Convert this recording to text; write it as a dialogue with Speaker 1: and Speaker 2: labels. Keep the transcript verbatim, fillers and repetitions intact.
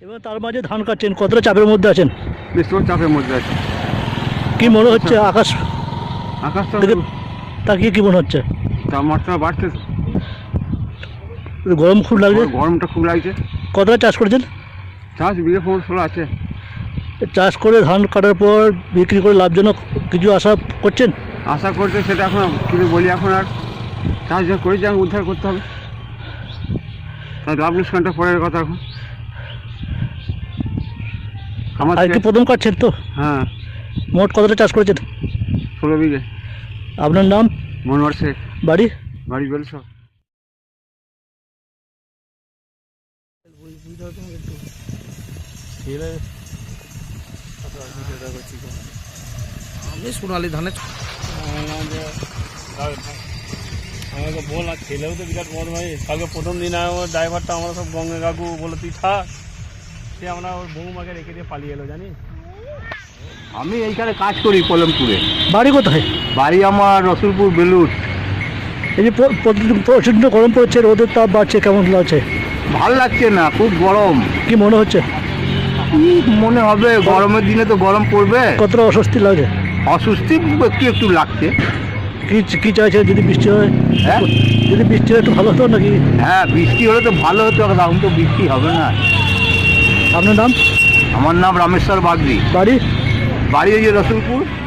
Speaker 1: এবং তার মাঝে ধান কাটছেন, কতটা চাপের মধ্যে আছেন?
Speaker 2: প্রচুর চাপের মধ্যে আছে।
Speaker 1: কি মনে হচ্ছে আকাশ
Speaker 2: আকাশটা
Speaker 1: দেখে তাকিয়ে কি মনে হচ্ছে?
Speaker 2: তাপমাত্রা বাড়ছে,
Speaker 1: গরম খুব লাগছে।
Speaker 2: গরমটা খুব লাগছে।
Speaker 1: কতটা চাষ করেছেন?
Speaker 2: চাষ বিঘে পনেরো ষোলো আছে।
Speaker 1: চাষ করে ধান কাটার পর বিক্রি করে লাভজনক কিছু আশা করছেন?
Speaker 2: আশা করছে সেটা এখন কিছু বলি, এখন আর চাষ যা করেছি আমি উদ্ধার করতে হবে, তাই লাভ লোকসানটা পরের কথা। এখন আমার
Speaker 1: আর কি প্রথম কাটছেন তো?
Speaker 2: হ্যাঁ,
Speaker 1: মোট কতটা চাষ করেছেন?
Speaker 2: ষোলো বিঘে।
Speaker 1: আপনার নাম?
Speaker 2: মনোহর শেখ,
Speaker 1: বাড়ি?
Speaker 2: বাড়ি বেল সব।
Speaker 3: আমি সোনালি ধানে
Speaker 4: আমাকে বল, আর ছেলেও তো বিরাট বড় ভাই। কালকে প্রথম দিন আমার ড্রাইভারটা আমরা সব গঙ্গা কাকু বলে তুই থাক, সে আমরা ওর বৌমাকে রেখে দিয়ে পালিয়ে এলো জানিস।
Speaker 2: আমি এইখানে কাজ করি কলমপুরে।
Speaker 1: বাড়ি কোথায়?
Speaker 2: বাড়ি আমার রসুলপুর বেলুর।
Speaker 1: এই যে প- প্রতিদিন প্রচণ্ড গরম পড়ছে, রোদের তাপ বাড়ছে, কেমন লাগছে?
Speaker 2: ভাল লাগছে না, খুব গরম।
Speaker 1: কি মনে হচ্ছে?
Speaker 2: কি মনে হবে, গরমের দিনে তো গরম পড়বে।
Speaker 1: কতটা অস্বস্তি লাগছে?
Speaker 2: অস্বস্তি একটু একটু লাগছে।
Speaker 1: কি কি চাইছে যদি বৃষ্টি হয়?
Speaker 2: হ্যাঁ
Speaker 1: যদি বৃষ্টি হয় একটু ভালো হতো নাকি?
Speaker 2: হ্যাঁ, বৃষ্টি হলে তো ভালো হতো, এখন তো বৃষ্টি হবে না।
Speaker 1: আপনার নাম?
Speaker 2: আমার নাম রামেশ্বর বাগদি,
Speaker 1: বাড়ি?
Speaker 2: বাড়ি ওই যে রসুলপুর।